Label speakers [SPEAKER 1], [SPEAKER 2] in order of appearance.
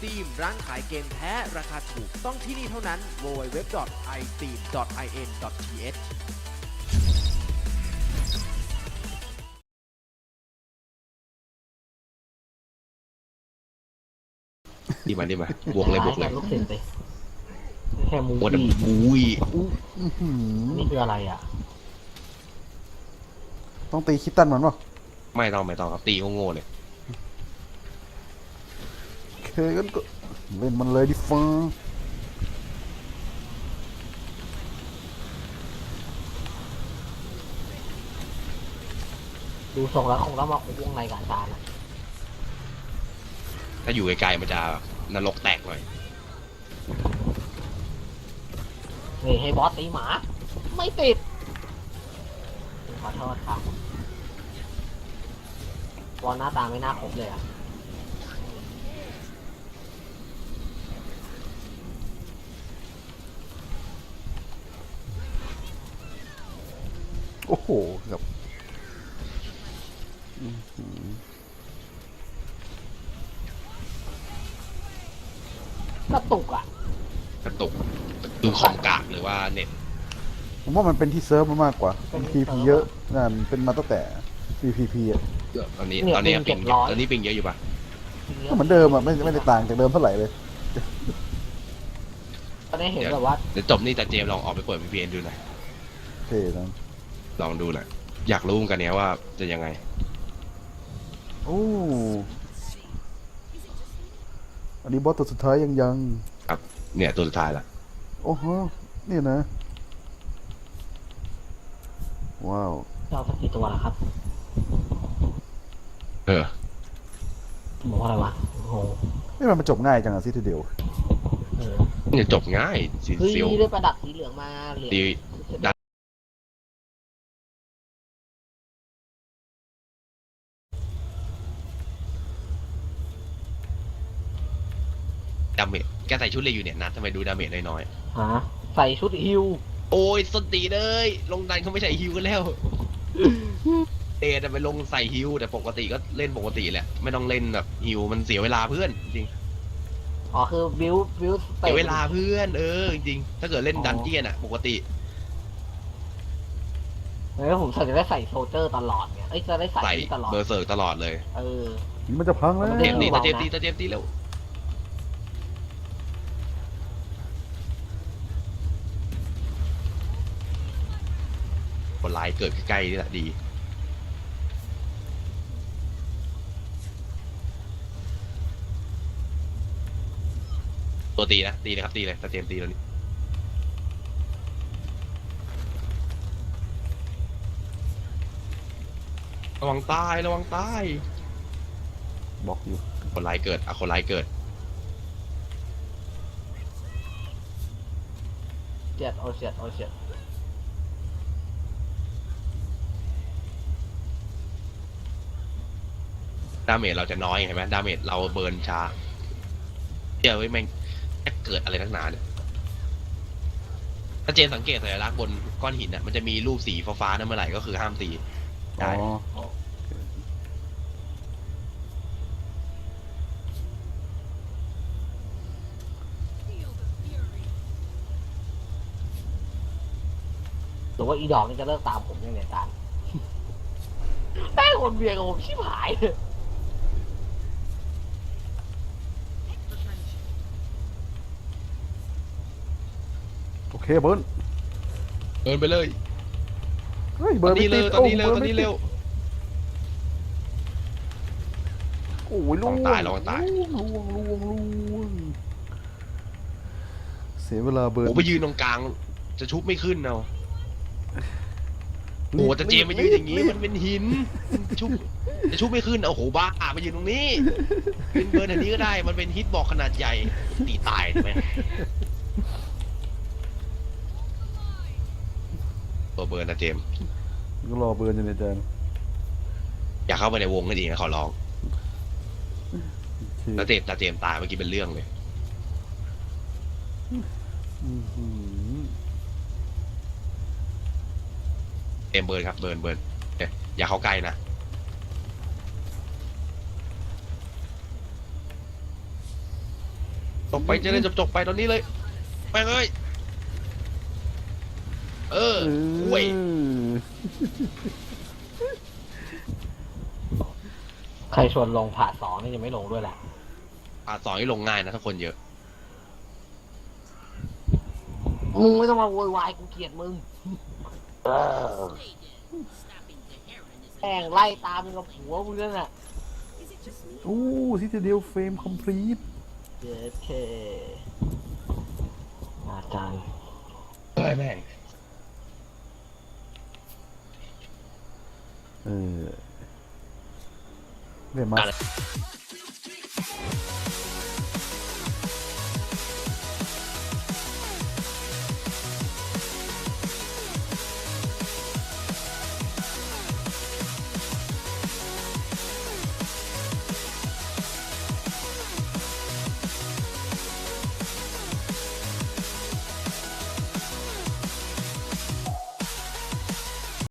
[SPEAKER 1] iSteam ร้านขายเกมแท้ราคาถูกต้องที่นี่เท่านั้น www.isteam.in.th
[SPEAKER 2] ดีมาบวกเลยบวกเลย
[SPEAKER 3] ลูกศิษย์ไปแค่มู
[SPEAKER 2] โอ้แต่
[SPEAKER 3] ฟี่
[SPEAKER 2] บุย
[SPEAKER 3] นี่คืออะไรอ่ะ
[SPEAKER 4] ต้องตีคิตตันมันป่ะ
[SPEAKER 2] ไม่ต้องครับตีโง่ๆเลย
[SPEAKER 4] โอเคงั้นก็เล่นมันเลยดิฟ้า
[SPEAKER 3] ดูทรงแล้วคงต้องมาคุกวงในกับอาจารย์อะ
[SPEAKER 2] ถ้าอยู่ไกลๆมันจะนรกแตกหน่อย
[SPEAKER 3] นี่ให้บอสตีหมา ไม่ติด ขอโทษครับบอลหน้าตาไม่น่าครบเลยอ่ะ
[SPEAKER 4] โอ้โหครับ
[SPEAKER 3] กระตุกอ่ะ
[SPEAKER 2] กระตุกคือของกากหรือว่าเน็ต
[SPEAKER 4] ผมว่ามันเป็นที่เซิร์ฟมันมากกว่า PVP เยอะนั่นเป็นมาตั้งแต่ PVP อ่ะ
[SPEAKER 2] ตอนนี้
[SPEAKER 3] เนี่ย
[SPEAKER 2] ตอนนี้
[SPEAKER 3] ปิ
[SPEAKER 2] ปิ
[SPEAKER 3] ง
[SPEAKER 2] ง
[SPEAKER 3] 700
[SPEAKER 2] ตอนนี้ปิงเยอะอยู่ปะ
[SPEAKER 4] ก็เหมือนเดิมอ่ะไม่ได้ต่างจากเดิมเท่าไหร่เลย
[SPEAKER 3] ตอนนี้เห็นแบบว่า
[SPEAKER 2] เดี๋ยวจบนี่แต่เจมส์ลองออกไปเปิด VPN ดูหน่อย
[SPEAKER 4] โอเคนะ
[SPEAKER 2] ลองดูหน่อยอยากรู้เหมือนกันเนี้ยว่าจะยังไง
[SPEAKER 4] โอ้อันนี้บอสตัวสุดท้ายยัง
[SPEAKER 2] ครับเนี่ยตัวสุดท้ายละ
[SPEAKER 4] โอ้โหนี่นะ ว้าว
[SPEAKER 3] เจ้าสักกี่ตัวล่ะครับ
[SPEAKER 2] เออ
[SPEAKER 3] บอกว่าอะไรวะ โอ้โห
[SPEAKER 4] นี่มันจบง่ายจังอะซิทีเดียว
[SPEAKER 3] เออ
[SPEAKER 2] เนี่ยจบง่ายสี
[SPEAKER 3] เฮ้ย
[SPEAKER 2] เซียว
[SPEAKER 3] ได้ประดับสีเหลืองมาเหลือง
[SPEAKER 2] ตีดาเมจแกใส่ชุดเลยอยู่เนี่ยนัดทำไมดูดาเมจน้อย
[SPEAKER 3] ฮะใส่ชุดฮิว
[SPEAKER 2] ๆโอ้ยสนตีเลยลงดันเขาไม่ใส่ฮิวกันแล้วเอจะไปลงใส่ฮิวแต่ปกติก็เล่นปกติแหละไม่ต้องเล่นแบบฮิวมันเสียเวลาเพื่อนจริง
[SPEAKER 3] อ๋อคือบิว
[SPEAKER 2] เสียเวลาเพื่อนจริงๆถ้าเกิดเล่นดันเจียนอะปกติ
[SPEAKER 3] แล้วผมจะได้ใส่โซลเจอร์ตลอดไงเอ้ยจะได้ใส่
[SPEAKER 2] ใส่
[SPEAKER 3] นี่ตลอด
[SPEAKER 2] เบอร์เซิร์กตลอดเลย
[SPEAKER 3] เออ
[SPEAKER 4] นี่มันจะพังแล้ว
[SPEAKER 3] มัน
[SPEAKER 2] เจ
[SPEAKER 3] จะ
[SPEAKER 2] มส์ตี
[SPEAKER 3] เบา
[SPEAKER 2] ตา
[SPEAKER 3] ๆ
[SPEAKER 2] เจมส์ตี
[SPEAKER 3] นะ
[SPEAKER 2] ตาเจมส์ตีเร็วคนร้ายเกิดใกล้ๆนี่แหละดีตัวตีนะตีเลยครับตีเลยตาเจมส์ตีแล้วนี่ระวังตายระวังตาย
[SPEAKER 4] บอกอยู่
[SPEAKER 2] คนร้ายเกิดคนร้ายเกิด
[SPEAKER 3] เจ็ดโอเจ็ดโอเจ็ด
[SPEAKER 2] ดาเมจเราจะน้อยเห็นไหมดาเมจเราเบิร์นช้าเดี๋ยวไว้แม่งจะเกิดอะไรนักหนาเนี่ยถ้าเจนสังเกตสัญลักษณ์บนก้อนหินน่ะมันจะมีรูปสีฟ้าๆนั่นเมื่อไหร่ก็คือห้ามตี
[SPEAKER 4] อ๋
[SPEAKER 2] ได้
[SPEAKER 4] อ
[SPEAKER 3] หรือว่าอีดอกนี่จะเลิกตามผมยังไงอาจารย์ ได้คนเบียร์กับผมชิบหายเลย
[SPEAKER 4] โอเคเบิร์น
[SPEAKER 2] เบิร์นไปเลย
[SPEAKER 4] เฮ้ย
[SPEAKER 2] ต
[SPEAKER 4] เบิ
[SPEAKER 2] อ
[SPEAKER 4] ร์
[SPEAKER 2] น
[SPEAKER 4] น
[SPEAKER 2] นี้
[SPEAKER 4] ไม่
[SPEAKER 2] เร็
[SPEAKER 4] ติ
[SPEAKER 2] ว
[SPEAKER 4] ด
[SPEAKER 2] ตอนนี้เร็ว
[SPEAKER 4] โ
[SPEAKER 2] ตอนนี้เร็ว
[SPEAKER 4] โอ้ย
[SPEAKER 2] ลองตายลองตาย
[SPEAKER 4] ล่วงเสียเวลาเบิร์น
[SPEAKER 2] โอ้ไปยืนตรงกลางจะชุบไม่ขึ้นเอาโอ้แต่เจมมายืนอย่างงี้มันเป็นหินชุบจะชุบไม่ขึ้นเอาโหบ้ามายืนตรงนี้ยืนเบิร์นแถวนี้ก็ได้มันเป็นฮิตบอกขนาดใหญ่ตีตายใช่ไหมตัวเบิร์นนะเจม
[SPEAKER 4] ก็รอเบิร์นอยู่ในจาน
[SPEAKER 2] อย่าเข้าไปในวงก็ดีนะขอร้อง
[SPEAKER 4] โอเค
[SPEAKER 2] แล้วตาเจมตายเมื่อกี้เป็นเรื่องเลย
[SPEAKER 4] อื้อหือ
[SPEAKER 2] เบิร์นครับเบิร์นเนี่ยอย่าเข้าใกล้นะบไปจะได้จบไปตอนนี้เลยไปเลยเว้ย
[SPEAKER 3] ใครชวนลงผ่าสองนี่จะไม่ลงด้วยแหละ
[SPEAKER 2] สอนให้ลงง่ายนะถ้าคนเยอะ
[SPEAKER 3] มึงไม่ต้องมาโวยวายกูเกลียดมึงแม่งไล่ตามมึงกับผัวมึงนั่นน่ะ
[SPEAKER 4] โอ้ซิตเดียลเฟรมคอมพลีท
[SPEAKER 3] เย้เคอาจารย์
[SPEAKER 2] เฮ้ยแม่ง
[SPEAKER 4] เรียกมา
[SPEAKER 2] อะไร